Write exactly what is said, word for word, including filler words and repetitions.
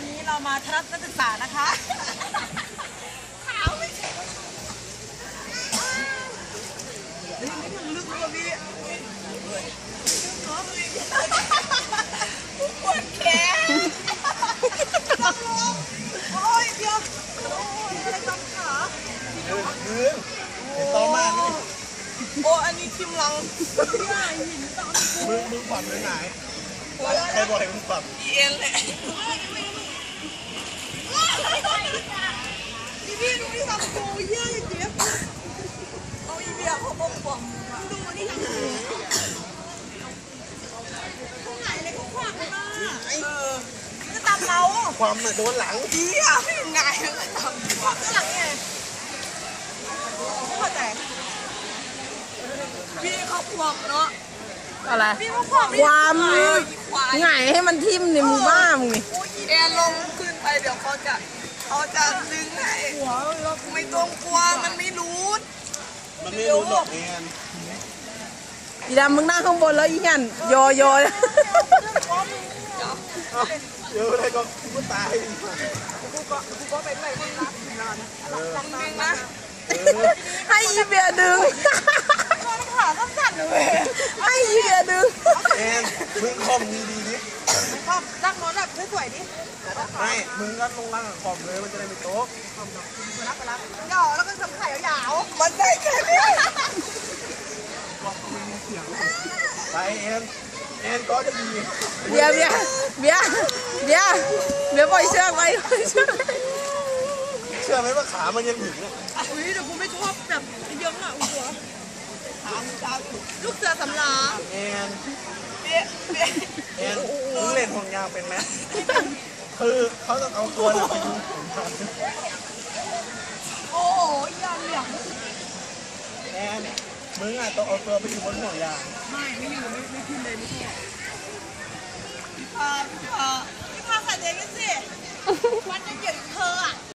วันนี้เรามาทัศนศึกษานะคะขาวไม่ใช่นี่มันลึกกว่าพี่ปวดแขนต้องลงโอ้ยเดี๋ยวโอ้ยอะไรจำขายืนยืนเห็นตอมานี่โอ้อันนี้ทิมลังใหญ่หินตอนมึงมึงฝันไปไหนใครบอกให้มึงฝันเอ็นเลยพี่พี่ดูนี่ทำโกเยอะอย่างเงี้ยเอาอีเบียเขาบอกผมดูนี่ทำเขาหายเลยเขาควักเลยมาเออจะตามเราความน่ะโดนหลังพี่อะไม่ยังไงก็ตามควักหลังไงเข้าใจพี่เขาควักเนาะอะไรพี่เขาควักความไงให้มันทิ่มในมือบ้ามึงนี่แอนลงขึ้นไปเดี๋ยวเขาจะเขาจะดึงให้ไม่ต้องกลัวมันไม่รู้มันไม่รู้หรอกแอนอีดำมึงนั่งข้างบนแล้วอีหยันโยโย่เยอะเลยก็กูตายกูก็กูก็เป็นไรมึงรับงานรับงานนะให้อีเบียดึงขาสั้นๆเลยให้อีเบียดึงแอนมึงคอมดีดีดิคอมนั่งนอนแบบสวยๆดิไม่มึงก็ลงล่างคอมเลยมันจะได้ไม่โต๊ะไปรับไปรับหย่อแล้วก็ทำไข่ยาวๆมันได้แค่นี้ไปแอนแอนก็จะดีเบียเบียเบียเบียเบียปล่อยเชือกไปเชือกเชื่อไหมว่าขามันยังถึงเนี่ยอุ้ยแต่กูไม่ชอบแบบเยอะอ่ะหัวขามึงจ้าลูกเสือสำราญแอนเบี้ยเบี้ยแอนมึงเล่นห่วงยางเป็นไหมคือเขาต้องเอาตัวเนี่ยไปดูโอ้ยยางเหลี่ยมแอนมึงอ่ะต้องเอาตัวไปอยู่บนห่วงยางไม่ไม่อยู่ไม่ไม่ขึ้นเลยไม่ชอบพี่พาพี่พาพี่พาขัดเองกันสิวันจะเกี่ยวกับเธออ่ะ